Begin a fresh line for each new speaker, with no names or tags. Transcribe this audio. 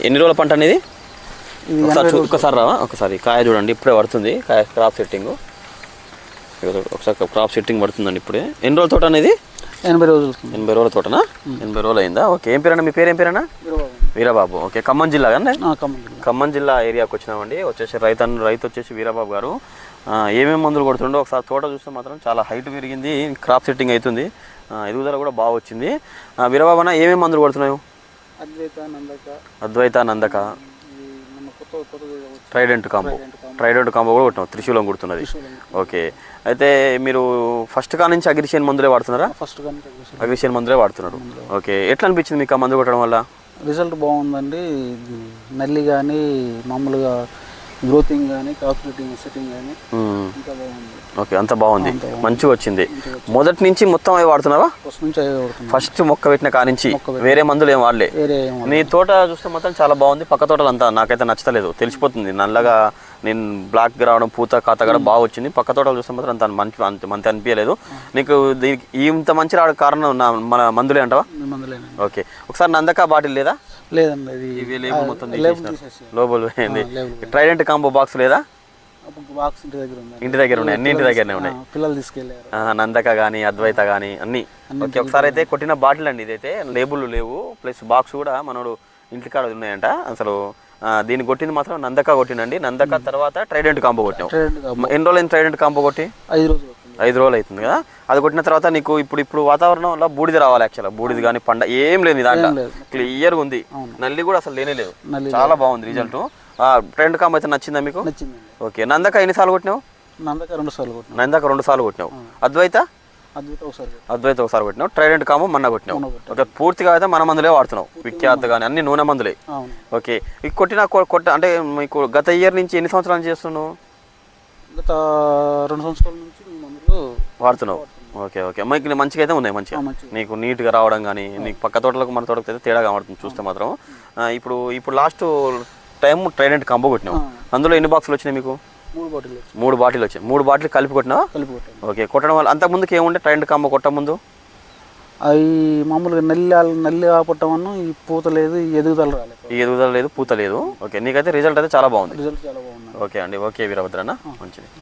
ఎన్ని రోజుల పంట అనేది ఒకసారి రావా ఒకసారి కాయ చూడండి ఇప్పుడే పడుతుంది కాయ క్రాప్ సెట్టింగ్ ఒకసారి క్రాప్ సెట్టింగ్ పడుతుందండి ఇప్పుడే ఎన్ని రోజుల తోట అనేది
80 రోజులు
80 రోజుల తోటనా 80 రోజులు అయిందా ఓకే ఏం పేరన్నా మీ పేరు ఏం పేరన్నా వీరబాబు ఓకే ఖమ్మం జిల్లా కానీ ఖమ్మం జిల్లా ఏరియాకి వచ్చినామండి వచ్చేసి రైతు వచ్చేసి వీరబాబు గారు ఏమేమి మందులు కొడుతుండో ఒకసారి తోట చూస్తే మాత్రం చాలా హైట్ పెరిగింది క్రాప్ సెట్టింగ్ అవుతుంది ఎదుగుదల కూడా బాగా వచ్చింది వీరబాబు అన్న ఏమేమి మందులు కొడుతున్నావు అద్వైత నందక ట్రైడెంట్ కాంబో కూడా కొట్టినాం త్రిశూలం కుడుతున్నది ఓకే అయితే మీరు ఫస్ట్ కా నుంచి అగ్రిషియన్ మందులే వాడుతున్నారా అగ్రిషియన్ మందులే వాడుతున్నారు ఓకే ఎట్లా అనిపించింది మీకు ఆ మందు కొట్టడం వల్ల
రిజల్ట్ బాగుందండి నల్లి కానీ మామూలుగా గ్రోతింగ్ కానీ క్రాప్ సెట్టింగ్ కానీ ఇంకా బాగుంది
ఓకే అంత బాగుంది మంచిగా వచ్చింది మొదటి నుంచి మొత్తం అవి వాడుతున్నావా ఫస్ట్ మొక్క పెట్టిన కానించి వేరే మందులు ఏం వాడలే నీ తోట చూస్తే మాత్రం చాలా బాగుంది పక్క తోటలు అంతా నాకైతే నచ్చలేదు తెలిసిపోతుంది నల్లగా నేను బ్లాక్ రావడం పూత కాత కూడా బాగా వచ్చింది పక్క తోటలు చూస్తే మాత్రం అంత మంచి అనిపించలేదు నీకు ఇంత మంచి రావడం కారణం మన మందులే అంటావా ఓకే ఒకసారి నందక బాటిల్ లేదా
లేదండి
లేబుల్ మొత్తం లోబుల్ ట్రైడెంట్ కాంబో బాక్స్ లేదా ఇంటి దగ్గర ఉన్నాయి అన్ని ఇంటి దగ్గరనే ఉన్నాయి
పిల్లలు తీసుకెళ్ళారు
నందక కానీ అద్వైత కానీ అన్ని ఓకే ఒకసారి అయితే కొట్టిన బాటిల్ అండి ఇదైతే లేబుల్ లేవు ప్లస్ బాక్స్ కూడా మనోడు ఇంటికాడ ఉన్నాయంట అసలు దీన్ని కొట్టింది మాత్రం నందక కొట్టినండి నందక తర్వాత ట్రైడెంట్ కాంబో కొట్టాం ఎన్ని రోజులు ట్రైడెంట్ కాంబో కొట్టి 5 రోజులు అవుతుంది కదా అది కొట్టిన తర్వాత నీకు ఇప్పుడు వాతావరణంలో బూడిద రావాలి యాక్చువల్గా బూడిద కానీ పండ ఏం లేదు దాంట్లో క్లియర్గా ఉంది నల్లి కూడా అసలు లేనే లేదు చాలా బాగుంది రిజల్ట్ ట్రైడెంట్ కాంబో అయితే నచ్చిందా మీకు ఓకే నందక ఎన్నిసార్లు కొట్టినావు నందక 2 సార్లు కొట్టినావు అద్వైత ఒకసారి కొట్టినావు ట్రైడెంట్ కాంబో మొన్న కొట్టినావు ఓకే పూర్తిగా అయితే మన మందులే వాడుతున్నావు విఖ్యాత కానీ అన్ని నూనె మందులే ఓకే ఈ కొట్టిన అంటే మీకు గత ఇయర్ నుంచి ఎన్ని సంవత్సరాల నుంచి చేస్తున్నావు
గత 2 సంవత్సరాల నుంచి మందులు
వాడుతున్నావు ఓకే ఓకే మీకు మంచిగా అయితే ఉన్నాయి మంచిగా నీకు నీట్గా రావడం కానీ నీకు పక్క తోటలకు మన తోటకు అయితే తేడా కనబడుతుంది చూస్తే మాత్రం ఇప్పుడు లాస్ట్ టైం ట్రైడెంట్ కాంబో కొట్టినావు అందులో ఎన్ని బాక్సులు వచ్చినాయి మీకు 3 బాటిల్ వచ్చాయి 3 బాటిల్ కలిపి కొట్టినావా ఓకే కొట్టడం వల్ల అంతకుముందుకు ఏముండే ట్రైడెంట్ కాంబో కొట్ట ముందు
అవి మామూలుగా నల్లి ఆపట్టమన్నా ఈ పూత లేదు ఎదుగుదల
లేదు పూత లేదు ఓకే నీకైతే రిజల్ట్ అయితే చాలా బాగుంది ఓకే అండి ఓకే వీరభద్రన్న మంచిది